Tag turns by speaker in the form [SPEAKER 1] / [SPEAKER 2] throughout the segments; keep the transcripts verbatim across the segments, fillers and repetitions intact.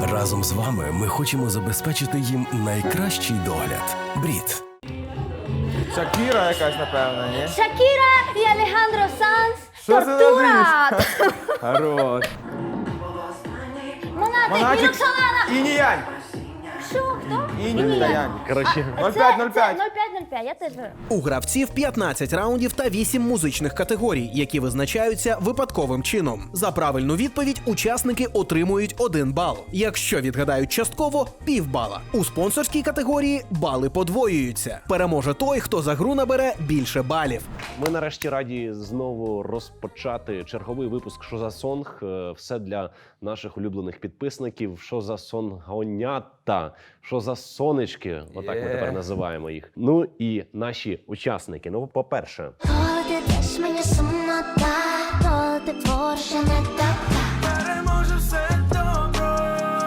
[SPEAKER 1] Разом з вами ми хочемо забезпечити їм найкращий догляд. Брід.
[SPEAKER 2] Шакіра якась, напевно, ні?
[SPEAKER 3] Шакіра і Алехандро Санс.
[SPEAKER 2] Що це
[SPEAKER 3] Тортура!
[SPEAKER 2] Хорош.
[SPEAKER 3] Монатик,
[SPEAKER 2] Монатик
[SPEAKER 3] Вілоксолана.
[SPEAKER 2] і Ніянь.
[SPEAKER 3] Що, хто?
[SPEAKER 2] Інь та Янь.
[SPEAKER 4] Коротше,
[SPEAKER 2] нуль п'ять нуль п'ять.
[SPEAKER 3] нуль п'ять нуль п'ять, я теж беру.
[SPEAKER 5] У гравців п'ятнадцять раундів та вісім музичних категорій, які визначаються випадковим чином. За правильну відповідь учасники отримують один бал. Якщо відгадають частково – півбала. У спонсорській категорії бали подвоюються. Переможе той, хто за гру набере більше балів.
[SPEAKER 4] ми нарешті раді знову розпочати черговий випуск «Що за сонг?». Е, Все для наших улюблених підписників. «Що за сонгонята?», «Що за сонечки?». Отак ми
[SPEAKER 2] Є.
[SPEAKER 4] тепер називаємо їх. Ну і наші учасники. Ну, по-перше,
[SPEAKER 6] Коли ти деш мені сумнота, коли ти твориш, я не така.
[SPEAKER 7] Переможе все добро,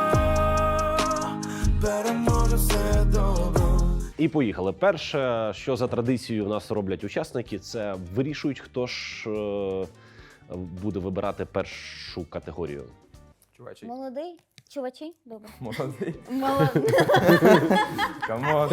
[SPEAKER 7] переможе все добро.
[SPEAKER 4] і поїхали. Перше, що за традицією в нас роблять учасники, це вирішують, хто ж е, буде вибирати першу категорію.
[SPEAKER 2] Чувачі.
[SPEAKER 3] Молодий? Чувачі? Добре.
[SPEAKER 2] Молодий.
[SPEAKER 3] Молодий.
[SPEAKER 2] Камон.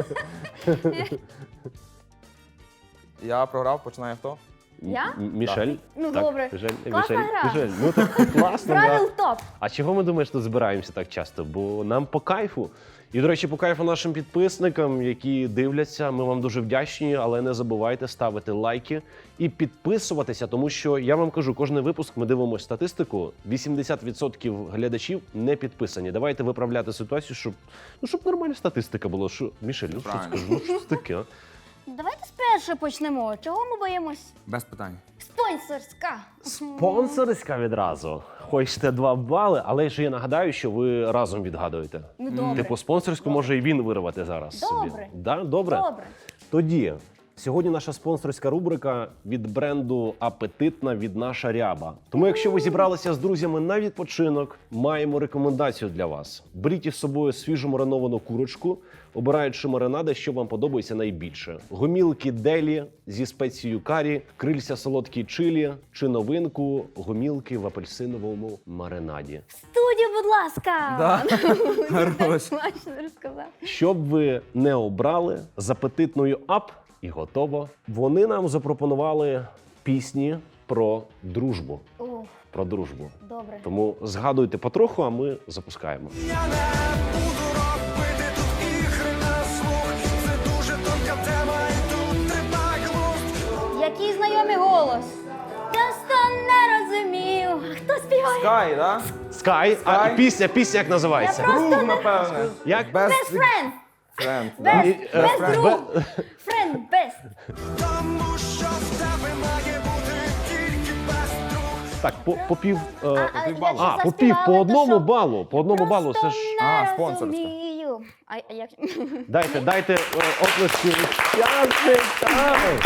[SPEAKER 2] Я програв, починає хто?
[SPEAKER 3] Я?
[SPEAKER 4] М- Мішель?
[SPEAKER 3] Ну,
[SPEAKER 4] Так,
[SPEAKER 3] добре.
[SPEAKER 4] Мішель,
[SPEAKER 3] Класна
[SPEAKER 4] Мішель,
[SPEAKER 3] гра.
[SPEAKER 4] Мішель. Ну так класно, да.
[SPEAKER 3] Правил топ.
[SPEAKER 4] А чого ми думаєш, тут збираємося так часто? Бо нам по кайфу. І, до речі, по кайфу нашим підписникам, які дивляться, ми вам дуже вдячні, але не забувайте ставити лайки і підписуватися, тому що, я вам кажу, кожний випуск ми дивимося статистику, вісімдесят відсотків глядачів не підписані. Давайте виправляти ситуацію, щоб, ну, щоб нормальна статистика була. Що, Мішель, ну що
[SPEAKER 2] Правильно.
[SPEAKER 4] скажу, ну що це таке? а?
[SPEAKER 3] Давайте спершу почнемо. Чого ми боїмось?
[SPEAKER 2] Без питань.
[SPEAKER 3] Спонсорська.
[SPEAKER 4] Спонсорська відразу. Хочете два бали, але ж я нагадаю, що ви разом відгадуєте.
[SPEAKER 3] Ну, добре.
[SPEAKER 4] Типу спонсорську може і він вирвати зараз.
[SPEAKER 3] Добре.
[SPEAKER 4] собі. Да? Добре?
[SPEAKER 3] Добре.
[SPEAKER 4] Тоді, сьогодні наша спонсорська рубрика від бренду «Апетитна» від «Наша ряба». Тому якщо ви зібралися з друзями на відпочинок, маємо рекомендацію для вас. Беріть із собою свіжу мариновану курочку, обираючи маринади, що вам подобається найбільше. Гомілки делі зі спецією карі, крильця солодкі чилі чи новинку гомілки в апельсиновому маринаді.
[SPEAKER 3] Студію, будь ласка.
[SPEAKER 2] Да? Хорош.
[SPEAKER 3] Смачно розказав.
[SPEAKER 4] Щоб ви не обрали, з апетитною ап і готово. Вони нам запропонували пісні про дружбу.
[SPEAKER 3] О,
[SPEAKER 4] Про дружбу.
[SPEAKER 3] добре.
[SPEAKER 4] Тому згадуйте потроху, а ми запускаємо.
[SPEAKER 7] Я не буду робити тут ігри на слух. Це дуже тонка тема, і тут треба глузд.
[SPEAKER 3] Який знайомий голос. Часто не розумів. Хто співає?
[SPEAKER 2] Скай, да?
[SPEAKER 4] Скай, а
[SPEAKER 2] Скай.
[SPEAKER 4] пісня, пісня як називається?
[SPEAKER 3] Я просто
[SPEAKER 2] Круг,
[SPEAKER 3] не-
[SPEAKER 2] напевне.
[SPEAKER 4] Як?
[SPEAKER 2] Без
[SPEAKER 3] Best friend.
[SPEAKER 2] френд. да.
[SPEAKER 3] Best,
[SPEAKER 4] І, е,
[SPEAKER 3] best
[SPEAKER 4] бе-
[SPEAKER 3] друг. Friend, best.
[SPEAKER 7] Тому що в тебе має бути тільки без друг.
[SPEAKER 4] Так, по, по пів... е,
[SPEAKER 3] А, а,
[SPEAKER 2] півбалу.
[SPEAKER 3] якщо
[SPEAKER 4] а, по пів,
[SPEAKER 3] заспівали,
[SPEAKER 4] по
[SPEAKER 3] то
[SPEAKER 4] одному
[SPEAKER 3] що?
[SPEAKER 4] балу. По одному
[SPEAKER 3] Просто
[SPEAKER 4] балу, це ж...
[SPEAKER 3] не
[SPEAKER 2] А, спонсорська.
[SPEAKER 3] розумію. А, а як?
[SPEAKER 4] Дайте, дайте е, оплески учасникам.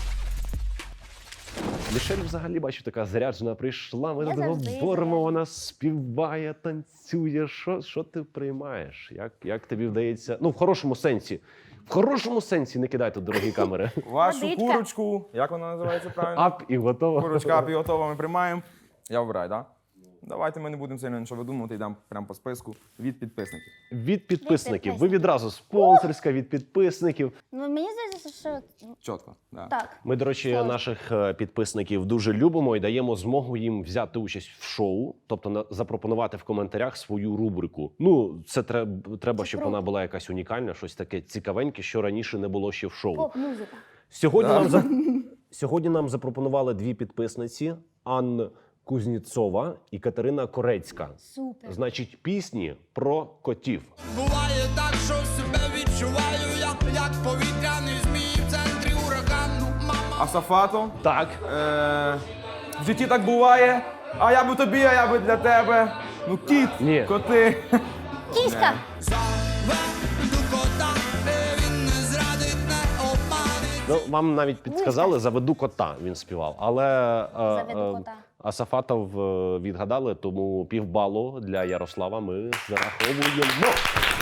[SPEAKER 4] Мішель взагалі, бачу, така заряджена прийшла, ми
[SPEAKER 3] Я
[SPEAKER 4] тут
[SPEAKER 3] завжди
[SPEAKER 4] говоримо,
[SPEAKER 3] заряджена.
[SPEAKER 4] вона співає, танцює. Що, що ти приймаєш? Як, як тобі вдається? Ну, в хорошому сенсі. В хорошому сенсі не кидай тут дорогі камери.
[SPEAKER 2] Вашу
[SPEAKER 3] Водичка.
[SPEAKER 2] курочку, як вона називається правильно?
[SPEAKER 4] Ап і готово.
[SPEAKER 2] Курочка ап і готова, ми приймаємо. Я вибираю, так? Да? Давайте ми не будемо сильно нічого видумувати, йдемо прямо по списку від підписників.
[SPEAKER 4] Від підписників. Ви
[SPEAKER 3] підписників.
[SPEAKER 4] відразу спонсорська від підписників.
[SPEAKER 3] Ну, мені здається, що
[SPEAKER 2] Чітко. Да.
[SPEAKER 3] так.
[SPEAKER 4] Ми, до речі,
[SPEAKER 3] Сложно.
[SPEAKER 4] наших е, підписників дуже любимо і даємо змогу їм взяти участь в шоу, тобто на- запропонувати в коментарях свою рубрику. Ну, це треба, треба,
[SPEAKER 3] Це
[SPEAKER 4] щоб
[SPEAKER 3] круто.
[SPEAKER 4] вона була якась унікальна, щось таке цікавеньке, що раніше не було ще в шоу.
[SPEAKER 3] Поп-музика.
[SPEAKER 4] Сьогодні,
[SPEAKER 2] Да.
[SPEAKER 4] нам за... Сьогодні нам запропонували дві підписниці: Анна Кузніцова і Катерина Корецька.
[SPEAKER 3] Супер.
[SPEAKER 4] Значить, пісні про котів.
[SPEAKER 7] Буває так, що себе відчуваю, як, як повітряний змій в центрі урагану. Мама.
[SPEAKER 2] А Сафато?
[SPEAKER 4] Так,
[SPEAKER 2] Е, в житті так буває. А я би тобі, а я би для тебе. Ну, кіт,
[SPEAKER 4] Ні.
[SPEAKER 2] коти.
[SPEAKER 3] Кіська.
[SPEAKER 7] Заведу кота, е, він не зрадить, не обманить.
[SPEAKER 4] ну вам навіть підсказали, заведу кота. Він співав, але е,
[SPEAKER 3] Заведу
[SPEAKER 4] е,
[SPEAKER 3] кота.
[SPEAKER 4] Асафатов е, відгадали, тому півбалу для Ярослава ми зараховуємо.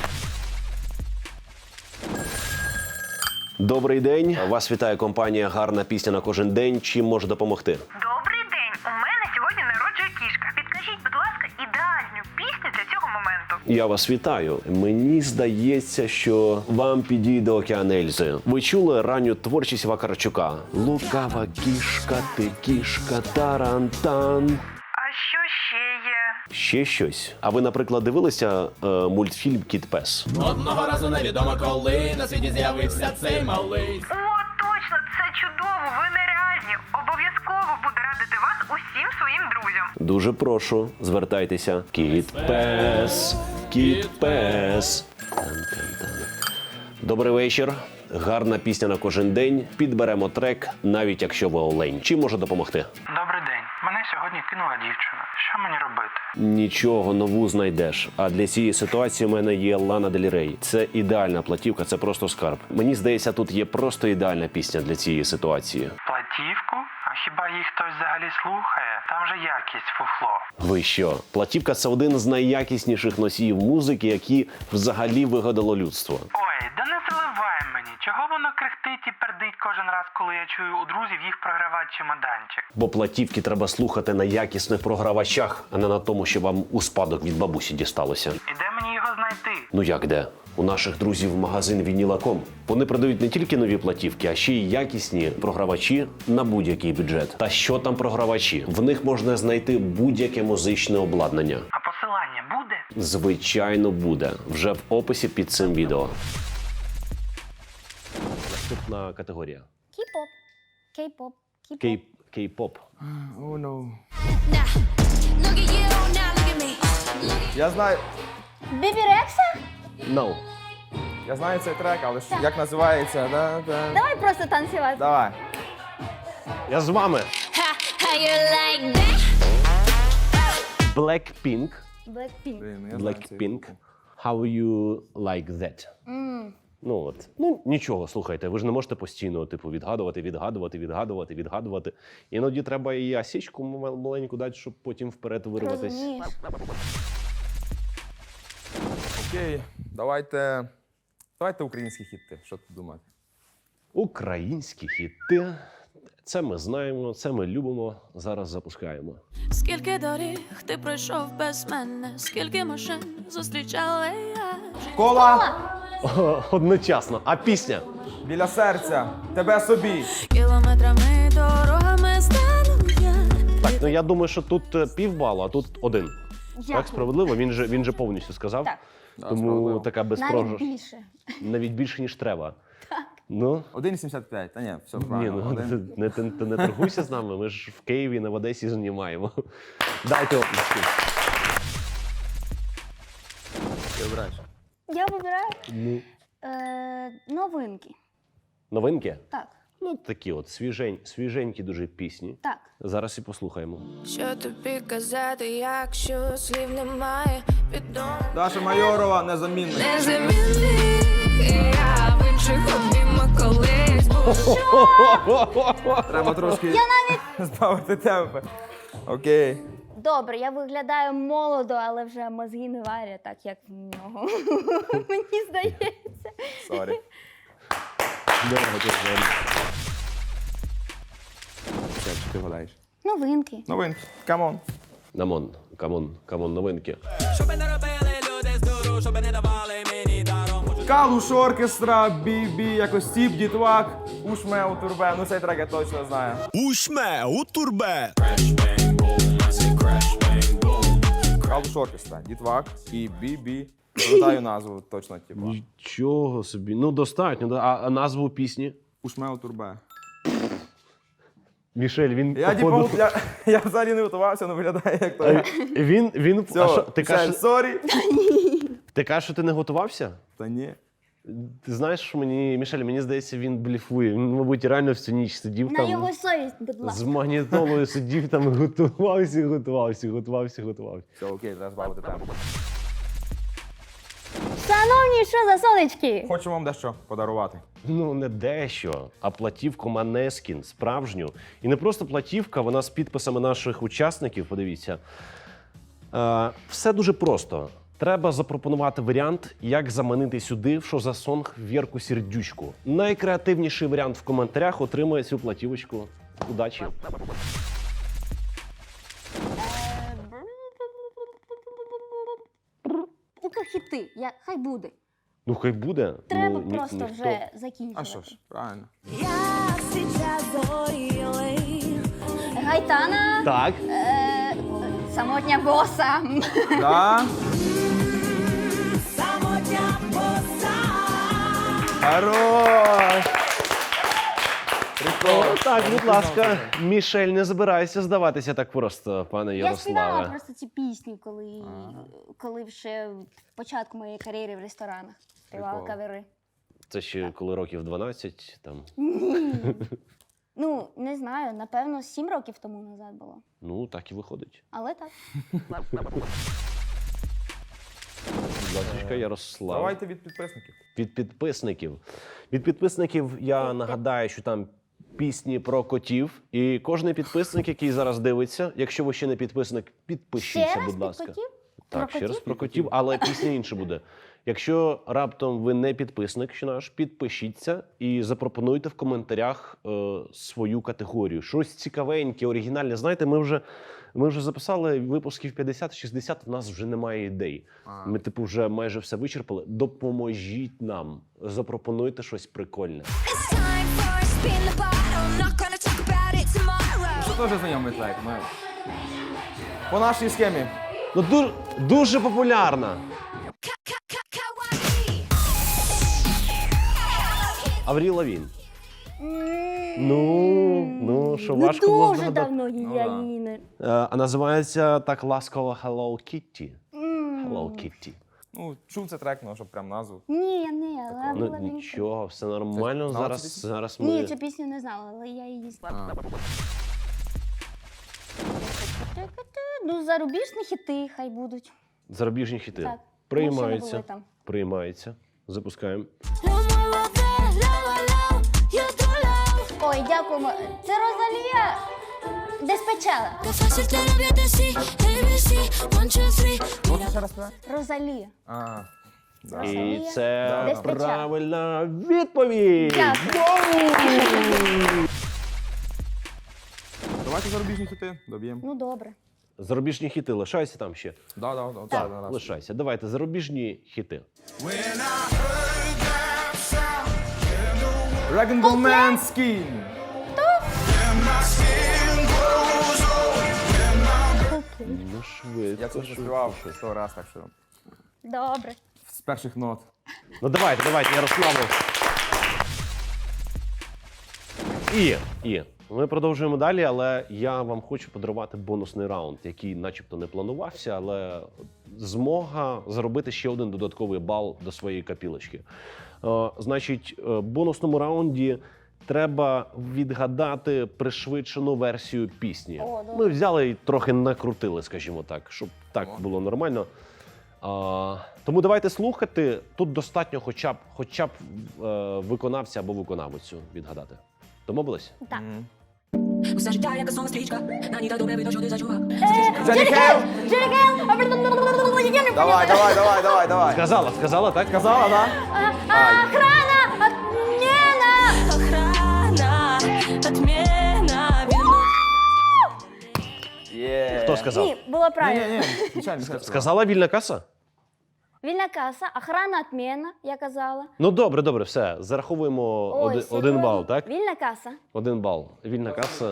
[SPEAKER 4] Добрий день. Вас вітає компанія «Гарна пісня на кожен день». Чим може допомогти?
[SPEAKER 8] Добрий день! У мене сьогодні народжує кішка. Підкажіть, будь ласка, ідеальну пісню для цього моменту.
[SPEAKER 4] Я вас вітаю. Мені здається, що вам підійде океан Ельзи. Ви чули ранню творчість Вакарчука? Лукава кішка, ти кішка, тарантан.
[SPEAKER 8] А що ще є?
[SPEAKER 4] Ще щось. А ви, наприклад, дивилися е, мультфільм Кіт Пес?
[SPEAKER 9] Одного разу невідомо коли на світі з'явився цей малий.
[SPEAKER 8] О, точно, це чудово, ви нереальні. Обов'язково буду радити вас усім своїм друзям.
[SPEAKER 4] Дуже прошу, звертайтеся. Кіт Пес, Кіт Пес. Тан-тан-тан. Добрий вечір. Гарна пісня на кожен день. Підберемо трек, навіть якщо ви олень. Чим може допомогти?
[SPEAKER 10] Добрий день. Мене сьогодні кинула дівчина. Що мені робити?
[SPEAKER 4] Нічого, нову знайдеш. А для цієї ситуації в мене є Лана Дель Рей. Це ідеальна платівка, це просто скарб. Мені здається, тут є просто ідеальна пісня для цієї ситуації.
[SPEAKER 10] Платівку? А хіба їх хтось взагалі слухає? Там же якість фуфло.
[SPEAKER 4] Ви що? Платівка – це один з найякісніших носіїв музики, які взагалі вигадало людство.
[SPEAKER 10] Ой, да не заливай мені. Чого воно крехтить і пердить кожен раз, коли я чую у друзів їх програвати чемоданчик?
[SPEAKER 4] Бо платівки треба слухати на якісних програвачах, а не на тому, що вам у спадок від бабусі дісталося.
[SPEAKER 10] І де мені його знайти?
[SPEAKER 4] Ну як де? У наших друзів магазин Вініла точка ком. Вони продають не тільки нові платівки, а ще й якісні програвачі на будь-який бюджет. Та що там програвачі? В них можна знайти будь-яке музичне обладнання.
[SPEAKER 10] А посилання буде?
[SPEAKER 4] Звичайно, буде. Вже в описі під цим відео. Наступна категорія.
[SPEAKER 3] Кей-поп. Кей-поп. Кей-поп.
[SPEAKER 4] Кей- Кей-поп.
[SPEAKER 2] О, ну.
[SPEAKER 6] Look at you, now look at me.
[SPEAKER 2] Я знаю,
[SPEAKER 3] Бібі Рекса?
[SPEAKER 4] No.
[SPEAKER 2] я знаю цей трек, але ж як називається? Да, да.
[SPEAKER 3] Давай просто танцювати.
[SPEAKER 2] Давай.
[SPEAKER 4] Я з вами.
[SPEAKER 6] Ha, how you like that?
[SPEAKER 4] Blackpink.
[SPEAKER 3] Blackpink.
[SPEAKER 2] Блін, ну я знаю цей
[SPEAKER 4] Blackpink.
[SPEAKER 2] групу.
[SPEAKER 4] How you like that? Ну от. Ну нічого, слухайте, ви ж не можете постійно типу відгадувати, відгадувати, відгадувати, відгадувати. Іноді треба і осічку м- маленьку дати, щоб потім вперед вирватися.
[SPEAKER 3] Розумієш?
[SPEAKER 2] Окей, давайте. Давайте українські хіти. Що тут думати?
[SPEAKER 4] Українські хіти. Це ми знаємо, це ми любимо. Зараз запускаємо.
[SPEAKER 11] Скільки доріг ти пройшов без мене, скільки машин зустрічала я.
[SPEAKER 2] Кола
[SPEAKER 4] О, одночасно. А пісня?
[SPEAKER 2] біля серця, тебе собі.
[SPEAKER 11] Кілометрами дорогами стану я.
[SPEAKER 4] Так, ну я думаю, що тут е, півбалу, а тут один.
[SPEAKER 3] Як?
[SPEAKER 4] Так, справедливо? Він же, він же повністю сказав.
[SPEAKER 3] Так.
[SPEAKER 2] Да,
[SPEAKER 4] Тому
[SPEAKER 2] справедливо.
[SPEAKER 4] така
[SPEAKER 3] Навіть
[SPEAKER 4] безпрограш.
[SPEAKER 3] більше.
[SPEAKER 4] Навіть більше, ніж треба. Так. Ну,
[SPEAKER 2] один сімдесят п'ять. Та ні, все
[SPEAKER 4] ні,
[SPEAKER 2] правильно.
[SPEAKER 4] ну
[SPEAKER 2] Один.
[SPEAKER 4] ти не, ти, ти не торгуйся з нами, ми ж в Києві, не в Одесі знімаємо. Дайте оплески.
[SPEAKER 2] Ти обираєш.
[SPEAKER 3] Я вибираю
[SPEAKER 4] Ну,
[SPEAKER 3] е, новинки.
[SPEAKER 4] новинки?
[SPEAKER 3] Так,
[SPEAKER 4] Ну, такі от свіжень, свіженькі дуже пісні.
[SPEAKER 3] так.
[SPEAKER 4] Зараз і послухаємо.
[SPEAKER 11] Що тобі казати, якщо слів немає, відомо
[SPEAKER 2] Даша Майорова, незамінна.
[SPEAKER 11] незамінний. Я в інших обіймах колись був.
[SPEAKER 2] Треба трошки збавити темпи. Окей.
[SPEAKER 3] Добре, я виглядаю молодо, але вже мозги не варять так, як в нього. Мені здається.
[SPEAKER 2] Сорі. Все, чи ти гадаєш?
[SPEAKER 3] Новинки.
[SPEAKER 2] Новинки. Камон.
[SPEAKER 4] Камон, камон, камон, новинки.
[SPEAKER 2] Калуш оркестра, бі-бі, якось тіп, дітвак, ушме у турбе. Ну цей трек я точно знаю.
[SPEAKER 7] Ушме у турбе.
[SPEAKER 2] Калуш оркестра, дітвак і бі-бі. Пам'ятаю назву точно, типу.
[SPEAKER 4] Нічого собі. Ну, достатньо. да. А, а назву пісні?
[SPEAKER 2] Ушме у турбе.
[SPEAKER 4] Мішель, він
[SPEAKER 2] Я,
[SPEAKER 4] походу...
[SPEAKER 2] типу, я, я взагалі не готувався, але виглядає як то.
[SPEAKER 4] Е, Він, він...
[SPEAKER 2] Все,
[SPEAKER 4] а що, ти,
[SPEAKER 2] все,
[SPEAKER 4] кажеш,
[SPEAKER 2] сорі.
[SPEAKER 4] ти кажеш, що ти не готувався?
[SPEAKER 2] Та ні.
[SPEAKER 4] Ти знаєш, що мені, Мішель, мені здається, він бліфує. Він, мабуть, реально всю ніч сидів
[SPEAKER 3] На
[SPEAKER 4] там.
[SPEAKER 3] його совість, будь
[SPEAKER 4] З
[SPEAKER 3] ласка.
[SPEAKER 4] магнітолою сидів там, готувався, готувався, готувався, готувався.
[SPEAKER 2] Все, окей, треба збавити темп.
[SPEAKER 3] Шановні, що за сонечки?
[SPEAKER 2] Хочу вам дещо подарувати.
[SPEAKER 4] Ну, не дещо, а платівку Måneskin, справжню. І не просто платівка, вона з підписами наших учасників, подивіться. Е, все дуже просто. Треба запропонувати варіант, як заманити сюди в «Що за сонг» Вірку Сердючку. Найкреативніший варіант в коментарях отримує цю платівочку. Удачі!
[SPEAKER 3] типу хіти. Я, хай буде.
[SPEAKER 4] Ну, хай буде.
[SPEAKER 3] Треба
[SPEAKER 4] ну, ні-
[SPEAKER 3] просто
[SPEAKER 4] ніхто-
[SPEAKER 3] вже закінчувати.
[SPEAKER 2] А що ж, правильно.
[SPEAKER 3] Гайтана.
[SPEAKER 4] Так.
[SPEAKER 3] Е, самотня боса.
[SPEAKER 2] Да. Хорош! Прикол.
[SPEAKER 4] Так, будь ласка, Мішель, не забирайся здаватися так просто, пане
[SPEAKER 3] Я співала
[SPEAKER 4] Ярославе.
[SPEAKER 3] просто ці пісні, коли, коли ще в початку моєї кар'єри в ресторанах співала
[SPEAKER 2] Прикол.
[SPEAKER 3] кавери.
[SPEAKER 4] Це ще коли років дванадцять, там.
[SPEAKER 3] Ні. Ну, не знаю, напевно, сім років тому назад було.
[SPEAKER 4] Ну, так і виходить.
[SPEAKER 3] Але так.
[SPEAKER 4] Будь ласка, Ярослав.
[SPEAKER 2] Давайте від підписників.
[SPEAKER 4] Від підписників. Від підписників я нагадаю, що там пісні про котів. І кожен підписник, який зараз дивиться, якщо ви ще не підписник, підпишіться,
[SPEAKER 3] Ще раз
[SPEAKER 4] будь ласка.
[SPEAKER 3] під котів?
[SPEAKER 4] Так,
[SPEAKER 3] Про
[SPEAKER 4] ще раз
[SPEAKER 3] котів?
[SPEAKER 4] про котів, але пісня інша буде. Якщо раптом ви не підписник ще наш, підпишіться і запропонуйте в коментарях е, свою категорію. Щось цікавеньке, оригінальне. Знаєте, ми вже, ми вже записали випусків п'ятдесят-шістдесят, у нас вже немає ідей.
[SPEAKER 2] А.
[SPEAKER 4] Ми, типу, вже майже все вичерпали. Допоможіть нам, запропонуйте щось прикольне.
[SPEAKER 2] Це теж знайомий трек. Ми... По нашій схемі.
[SPEAKER 4] Ну, дуже, дуже популярна. Аврій Лавін. Ну, ну, що
[SPEAKER 3] Ну,
[SPEAKER 4] важко було
[SPEAKER 3] дуже
[SPEAKER 4] здогадати.
[SPEAKER 3] давно
[SPEAKER 2] Ну,
[SPEAKER 3] я
[SPEAKER 2] да.
[SPEAKER 3] її не...
[SPEAKER 4] Е, А називається так ласково Hello Kitty. Hello Kitty.
[SPEAKER 2] Ну, чув це трек, ну, щоб прям назву.
[SPEAKER 3] Ні, я не, але
[SPEAKER 4] Ну
[SPEAKER 3] була він-
[SPEAKER 4] нічого, все нормально.
[SPEAKER 2] Це знала
[SPEAKER 4] Зараз,
[SPEAKER 2] цю пісню?
[SPEAKER 4] зараз ми.
[SPEAKER 3] Ні, цю пісню не знала, але я її знала. Ну, зарубіжні хіти хай будуть.
[SPEAKER 4] Зарубіжні хіти.
[SPEAKER 3] Так.
[SPEAKER 4] Приймаються.
[SPEAKER 3] Ми ще не були там.
[SPEAKER 4] Приймаються. Запускаємо.
[SPEAKER 3] Ой, дякуємо. Це Розалія Деспечала.
[SPEAKER 2] Можна ще раз співати?
[SPEAKER 3] Розалія.
[SPEAKER 2] А, да.
[SPEAKER 4] І
[SPEAKER 3] Розалія
[SPEAKER 4] це
[SPEAKER 3] Деспечала.
[SPEAKER 4] правильна відповідь.
[SPEAKER 3] Дякую.
[SPEAKER 2] Давайте зарубіжні хіти, доб'ємо.
[SPEAKER 3] Ну, добре.
[SPEAKER 4] Зарубіжні хіти, лишайся там ще.
[SPEAKER 2] Да, да, да,
[SPEAKER 4] Так,
[SPEAKER 2] да, да.
[SPEAKER 4] лишайся. Давайте, зарубіжні хіти.
[SPEAKER 2] Dragon Ball Man Skin.
[SPEAKER 4] Ну, швидко.
[SPEAKER 2] Я це вже співав сто раз, так що
[SPEAKER 3] Добре.
[SPEAKER 2] з перших нот.
[SPEAKER 4] Ну давайте, давайте, Ярославу. І, і ми продовжуємо далі, але я вам хочу подарувати бонусний раунд, який начебто не планувався, але змога заробити ще один додатковий бал до своєї копілочки. Е, значить, е, в бонусному раунді треба відгадати пришвидшену версію пісні.
[SPEAKER 3] О, добре.
[SPEAKER 4] Ми взяли і трохи накрутили, скажімо так, щоб так було нормально. А, тому давайте слухати. Тут достатньо хоча б, хоча б е, виконавця або виконавицю відгадати. Домовились?
[SPEAKER 3] Так.
[SPEAKER 11] Усе життя, як сонна стрічка, на ній так добре видно, що ти зачула.
[SPEAKER 2] Джері Хейл!
[SPEAKER 3] Джері Хейл!
[SPEAKER 2] Давай, давай, давай, давай, давай.
[SPEAKER 4] Сказала, сказала, так?
[SPEAKER 2] Сказала, да?
[SPEAKER 3] Охрана! Отмена!
[SPEAKER 11] Охрана, отмена,
[SPEAKER 2] Є.
[SPEAKER 4] Хто сказав?
[SPEAKER 3] Ні, було
[SPEAKER 2] Ні,
[SPEAKER 3] правильно.
[SPEAKER 2] ні, ні, звичайно, сказала.
[SPEAKER 4] Сказала вільна каса?
[SPEAKER 3] Вільна каса, охрана отмена, я казала.
[SPEAKER 4] Ну добре, добре, все. Зараховуємо
[SPEAKER 3] Ой,
[SPEAKER 4] один,
[SPEAKER 3] серйозно?
[SPEAKER 4] один бал, так?
[SPEAKER 3] Вільна каса.
[SPEAKER 4] Один бал. Вільна каса.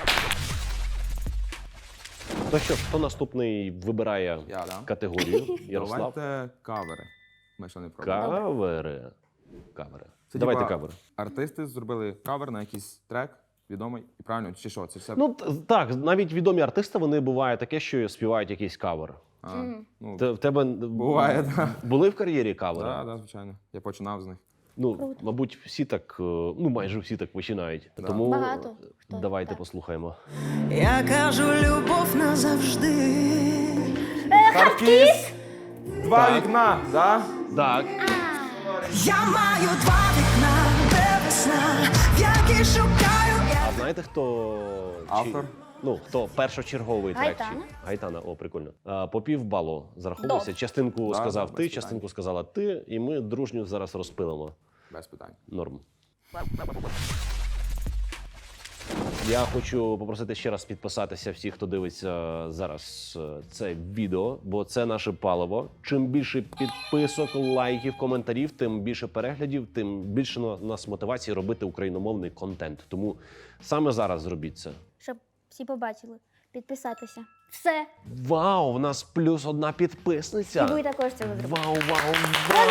[SPEAKER 4] То що ж, хто наступний вибирає
[SPEAKER 2] Я, да.
[SPEAKER 4] категорію? Ярослав?
[SPEAKER 2] Давайте кавери. Ми ще не пробували.
[SPEAKER 4] Кавери. Кавери.
[SPEAKER 2] Це,
[SPEAKER 4] Давайте
[SPEAKER 2] типа,
[SPEAKER 4] кавери.
[SPEAKER 2] Артисти зробили кавер на якийсь трек, відомий, і правильно, чи що? Це все.
[SPEAKER 4] Ну т- так, навіть відомі артисти, вони буває таке, що співають якийсь кавер.
[SPEAKER 2] А, ну,
[SPEAKER 4] Те- В тебе
[SPEAKER 2] Буває, да.
[SPEAKER 4] були в кар'єрі кавери?
[SPEAKER 2] да, да, звичайно. Я починав з них.
[SPEAKER 4] Ну, мабуть, всі так, е, ну майже всі так починають.
[SPEAKER 2] Да.
[SPEAKER 4] Тому
[SPEAKER 3] Багато хто
[SPEAKER 4] давайте
[SPEAKER 3] так.
[SPEAKER 4] послухаємо.
[SPEAKER 7] Я кажу, любов назавжди.
[SPEAKER 2] Хардкіс! Два вікна, да?
[SPEAKER 4] Так.
[SPEAKER 7] Я маю два вікна, де весна, в якій шукаю я.
[SPEAKER 4] А знаєте, хто чи-
[SPEAKER 2] Автор?
[SPEAKER 4] Ну, хто першочерговий трек?
[SPEAKER 3] Гайтана.
[SPEAKER 4] чи- Гайтана, о, прикольно. А, по півбалу зараховується.
[SPEAKER 3] Добре.
[SPEAKER 4] Частинку
[SPEAKER 2] Да,
[SPEAKER 4] сказав
[SPEAKER 2] да, без
[SPEAKER 4] ти,
[SPEAKER 2] питань.
[SPEAKER 4] частинку сказала ти, і ми дружньо зараз розпилимо.
[SPEAKER 2] Без питань.
[SPEAKER 4] Норм. Я хочу попросити ще раз підписатися всіх, хто дивиться зараз е, це відео, бо це наше паливо. Чим більше підписок, лайків, коментарів, тим більше переглядів, тим більше на нас мотивації робити україномовний контент. Тому саме зараз зробіть це.
[SPEAKER 3] Щоб всі побачили. Підписатися. Все.
[SPEAKER 4] Вау, в нас плюс одна підписниця.
[SPEAKER 3] І ви також цього зробите.
[SPEAKER 4] Вау, вау, вау.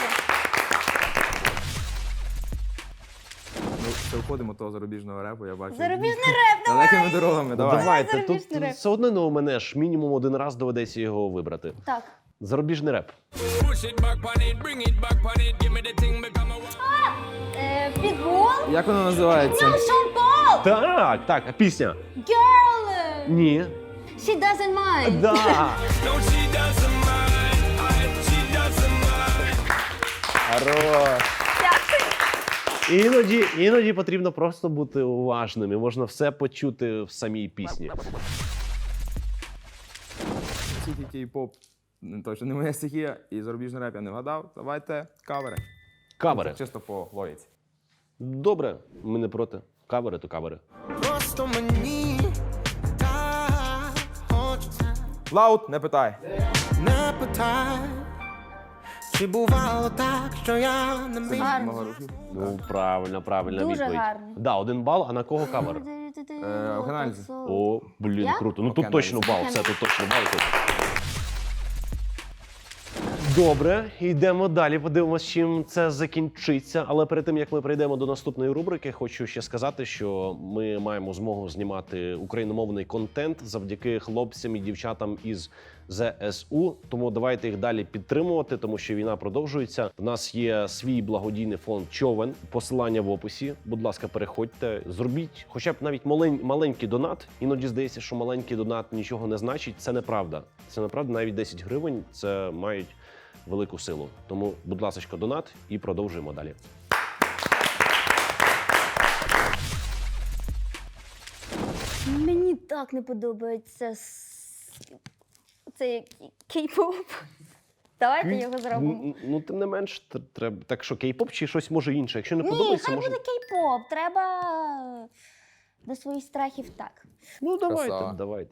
[SPEAKER 2] Ми все входимо до того зарубіжного репу, я бачу.
[SPEAKER 3] Зарубіжний реп, давай!
[SPEAKER 2] Далекими дорогами,
[SPEAKER 4] Ну,
[SPEAKER 2] давай.
[SPEAKER 4] давайте,
[SPEAKER 3] зарубіжний
[SPEAKER 4] тут
[SPEAKER 3] реп.
[SPEAKER 4] все одно не у мене ж мінімум один раз доведеться його вибрати.
[SPEAKER 3] Так.
[SPEAKER 4] Зарубіжний реп.
[SPEAKER 3] Е, Підбол?
[SPEAKER 2] Як воно називається?
[SPEAKER 3] Шон Пол!
[SPEAKER 4] Так, так, а пісня.
[SPEAKER 3] Girl!
[SPEAKER 4] Ні.
[SPEAKER 3] She doesn't mind.
[SPEAKER 4] Да.
[SPEAKER 2] Хорош.
[SPEAKER 4] Іноді, іноді потрібно просто бути уважним, і можна все почути в самій пісні.
[SPEAKER 2] Тільки кей-поп, не точно не моя стихія, і зарубіжний реп я не вгадав. Давайте кавери.
[SPEAKER 4] Кавери.
[SPEAKER 2] Чисто по логіці.
[SPEAKER 4] Добре, ми не проти. Кавери то кавери.
[SPEAKER 7] Просто мені так хочеться.
[SPEAKER 2] Лаут, не питай.
[SPEAKER 7] Не питай, чи бувало так, що я не міг.
[SPEAKER 3] Гарно.
[SPEAKER 4] Ну, правильно, правильна
[SPEAKER 3] Дуже
[SPEAKER 4] відповідь.
[SPEAKER 3] гарно.
[SPEAKER 4] Да, один бал, а на кого кавер?
[SPEAKER 2] Е, Геннадій.
[SPEAKER 4] О, блін,
[SPEAKER 3] Я?
[SPEAKER 4] круто. Ну тут
[SPEAKER 2] Окей,
[SPEAKER 4] точно
[SPEAKER 2] навіть.
[SPEAKER 4] бал, це тут точно бал. Тут. Добре, йдемо далі, подивимось, чим це закінчиться. Але перед тим, як ми перейдемо до наступної рубрики, хочу ще сказати, що ми маємо змогу знімати україномовний контент завдяки хлопцям і дівчатам із зе ес у. Тому давайте їх далі підтримувати, тому що війна продовжується. У нас є свій благодійний фонд «Човен», посилання в описі. Будь ласка, переходьте, зробіть хоча б навіть малень, маленький донат. Іноді здається, що маленький донат нічого не значить. Це неправда. Це неправда, навіть десять гривень це мають велику силу. Тому, будь ласка, донат і продовжуємо далі.
[SPEAKER 3] Мені так не подобається с- цей кей-поп. Давайте його зробимо.
[SPEAKER 4] Ну, ну, тим не менш, тр- треба. Так що, кей-поп чи щось може інше? Якщо не
[SPEAKER 3] Ні,
[SPEAKER 4] подобається,
[SPEAKER 3] хай
[SPEAKER 4] може.
[SPEAKER 3] буде кей-поп. Треба до своїх страхів так.
[SPEAKER 4] Ну, давайте,
[SPEAKER 2] Красава.
[SPEAKER 4] давайте.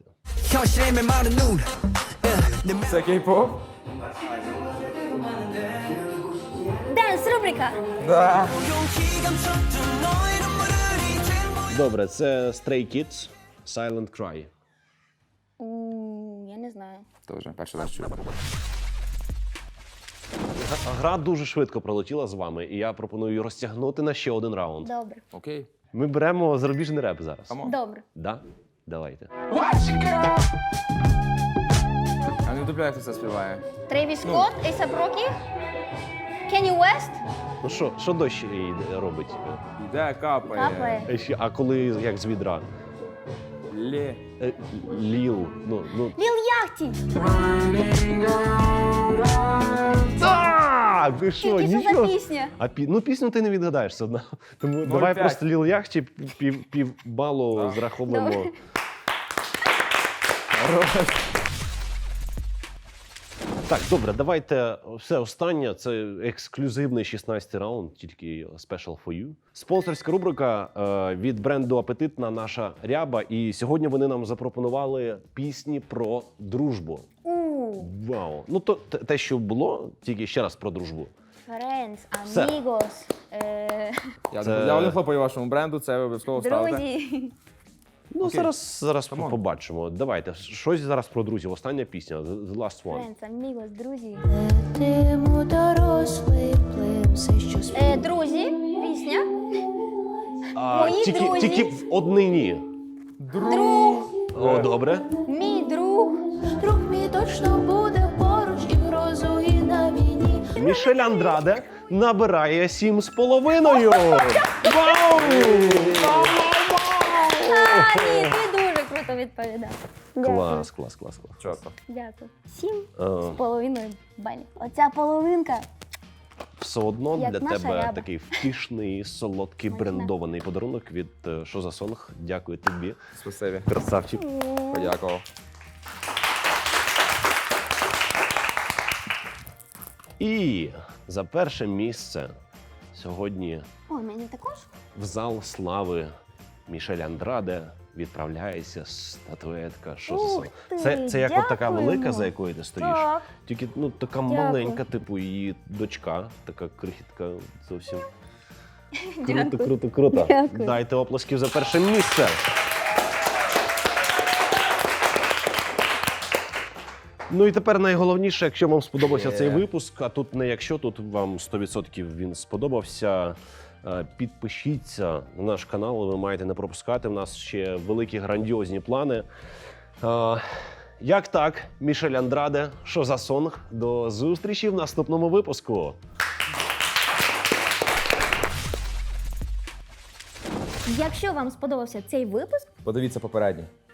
[SPEAKER 2] Це кей-поп?
[SPEAKER 3] Денс, рубрика.
[SPEAKER 2] Да.
[SPEAKER 4] Добре, це Stray Kids, Silent Cry.
[SPEAKER 3] У, Я не знаю.
[SPEAKER 2] То вже перший раз чую.
[SPEAKER 4] Гра дуже швидко пролетіла з вами, і я пропоную розтягнути на ще один раунд.
[SPEAKER 3] Добре.
[SPEAKER 2] Окей.
[SPEAKER 4] Ми беремо зарубіжний реп зараз.
[SPEAKER 2] Камон.
[SPEAKER 3] Добре.
[SPEAKER 4] Да? Давайте.
[SPEAKER 2] А не вдупляй, хто це співає.
[SPEAKER 3] Трейвіс Скотт, Ейсап Рокі, Кенні Уест.
[SPEAKER 4] Ну що, що дощ їй робить?
[SPEAKER 2] Іде, капає.
[SPEAKER 3] Капає.
[SPEAKER 4] Е, ще- А коли як з відра?
[SPEAKER 2] Лє.
[SPEAKER 4] Е, Ліл. Ну, ну.
[SPEAKER 3] Ліл Яхті.
[SPEAKER 4] Так, ви що,
[SPEAKER 3] Тільки що
[SPEAKER 4] нічого?
[SPEAKER 3] за пісня?
[SPEAKER 4] А пі... ну пісню ти не відгадаєш все одно. Тому давай
[SPEAKER 2] п'ять.
[SPEAKER 4] просто Ліл Яхті пів, пів балу
[SPEAKER 2] Так.
[SPEAKER 4] зраховуємо.
[SPEAKER 3] Добре.
[SPEAKER 4] Так, добре, давайте все останнє. Це ексклюзивний шістнадцятий раунд, тільки special for you. Спонсорська рубрика е, від бренду Апетитна наша ряба. І сьогодні вони нам запропонували пісні про дружбу.
[SPEAKER 3] У,
[SPEAKER 4] Вау! Ну то те- те, що було, тільки ще раз про дружбу.
[SPEAKER 3] Friends,
[SPEAKER 4] Все.
[SPEAKER 3] Amigos, е,
[SPEAKER 2] Я,
[SPEAKER 4] Це-
[SPEAKER 2] я не хлопаю вашому бренду, це ви обов'язково ставите.
[SPEAKER 3] друзі.
[SPEAKER 4] Ну,
[SPEAKER 2] Окей.
[SPEAKER 4] зараз, зараз
[SPEAKER 2] Come on.
[SPEAKER 4] побачимо. Давайте, щось зараз про друзів. Остання пісня, The the Last One.
[SPEAKER 3] Friends, Amigos, друзі.
[SPEAKER 6] Летимо дорослий плин, все що
[SPEAKER 3] Е, друзі, пісня.
[SPEAKER 4] А,
[SPEAKER 3] Мої
[SPEAKER 4] тільки,
[SPEAKER 3] друзі.
[SPEAKER 4] тільки в однині.
[SPEAKER 3] Друг,
[SPEAKER 4] О, добре.
[SPEAKER 3] мій друг.
[SPEAKER 6] друг мій точно буде поруч і в грозу, і на війні.
[SPEAKER 4] Мішель Андраде набирає сім з половиною. Вау!
[SPEAKER 3] А, ні, ти дуже круто відповідав.
[SPEAKER 4] Клас, клас, клас, клас.
[SPEAKER 2] Чорто.
[SPEAKER 3] Дякую. Сім
[SPEAKER 4] Е,
[SPEAKER 3] з половиною балів. Оця половинка.
[SPEAKER 4] Все одно
[SPEAKER 3] Як
[SPEAKER 4] для
[SPEAKER 3] наша
[SPEAKER 4] тебе
[SPEAKER 3] ряба.
[SPEAKER 4] такий втішний, солодкий,
[SPEAKER 3] Смачна.
[SPEAKER 4] брендований подарунок від е, «Що за сонг». Дякую тобі,
[SPEAKER 2] Спасибі.
[SPEAKER 4] красавчик.
[SPEAKER 2] Подякував.
[SPEAKER 4] І за перше місце сьогодні
[SPEAKER 3] Ой, мені також?
[SPEAKER 4] в зал слави Мішель Андраде відправляється статуетка. Що за
[SPEAKER 3] Ух
[SPEAKER 4] сон?
[SPEAKER 3] ти,
[SPEAKER 4] Це, це як от така
[SPEAKER 3] дякуємо.
[SPEAKER 4] велика, за якою ти стоїш.
[SPEAKER 3] Так.
[SPEAKER 4] Тільки ну така
[SPEAKER 3] Дякую.
[SPEAKER 4] маленька, типу, її дочка, така крихітка зовсім. Круто,
[SPEAKER 3] Дякую.
[SPEAKER 4] круто, круто.
[SPEAKER 3] Дякую.
[SPEAKER 4] Дайте оплесків за перше місце. Ну і тепер найголовніше, якщо вам сподобався
[SPEAKER 2] Є.
[SPEAKER 4] цей випуск, а тут не якщо, тут вам сто відсотків він сподобався. е, Підпишіться на наш канал, ви маєте не пропускати. У нас ще великі грандіозні плани. Е, Як так, Мішель Андраде, що за сонг? До зустрічі в наступному випуску.
[SPEAKER 3] Якщо вам сподобався цей випуск,
[SPEAKER 2] Подивіться попередній.